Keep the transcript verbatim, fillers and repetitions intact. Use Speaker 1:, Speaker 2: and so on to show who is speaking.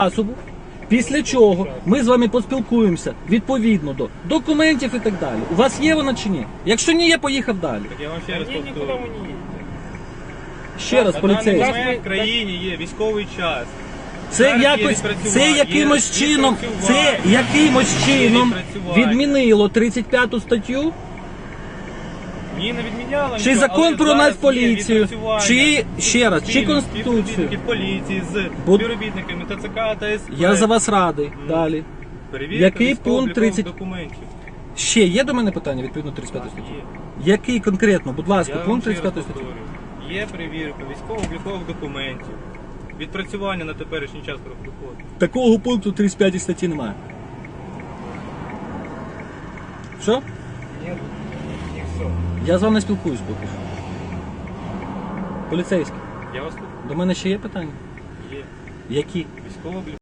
Speaker 1: засобу, після чого ми з вами поспілкуємося відповідно до документів і так далі. У вас є вона чи ні? Якщо ні, я поїхав далі.
Speaker 2: Так я вам ще раз
Speaker 3: Ні, нікуди
Speaker 2: повторю.
Speaker 3: ми не їдемо.
Speaker 1: Ще раз,
Speaker 2: На даний
Speaker 1: поліцейський.
Speaker 2: момент в країні є військовий час.
Speaker 1: Це
Speaker 2: Зараз є
Speaker 1: якось,
Speaker 2: відпрацювання,
Speaker 1: це
Speaker 2: є
Speaker 1: якимось чином, це
Speaker 2: відпрацювання.
Speaker 1: якимось чином
Speaker 2: відпрацювання.
Speaker 1: відмінило тридцять п'яту статтю.
Speaker 2: Ні, не відміняла
Speaker 1: Чи
Speaker 2: нічого,
Speaker 1: закон
Speaker 2: але
Speaker 1: про
Speaker 2: зараз є
Speaker 1: Нацполіцію,
Speaker 2: відпрацювання.
Speaker 1: чи, ще раз, чи
Speaker 2: Спільно
Speaker 1: Конституцію.
Speaker 2: співробітники поліції з
Speaker 1: Бо-
Speaker 2: співробітниками ТЦК та СП.
Speaker 1: Я за вас радий. Далі.
Speaker 2: Перевірка
Speaker 1: Який
Speaker 2: військово-облікових
Speaker 1: пункт тридцять?
Speaker 2: документів.
Speaker 1: Ще є до мене питання відповідно тридцять п'ятої
Speaker 2: Так,
Speaker 1: статті?
Speaker 2: є.
Speaker 1: Який конкретно, будь ласка,
Speaker 2: Я вам
Speaker 1: пункт
Speaker 2: ще
Speaker 1: тридцять
Speaker 2: раз
Speaker 1: п'ятої статті?
Speaker 2: повторюю. Є перевірка військово-облікових документів. Відпрацювання на теперішній час проходить.
Speaker 1: Такого пункту тридцять п'ятій статті немає. Що?
Speaker 3: Ні, не все.
Speaker 1: Я з вами не спілкуюсь поки що. Поліцейський,
Speaker 2: Я вас слухаю.
Speaker 1: до мене ще є питання?
Speaker 2: Є.
Speaker 1: Які?
Speaker 2: Військово-облікових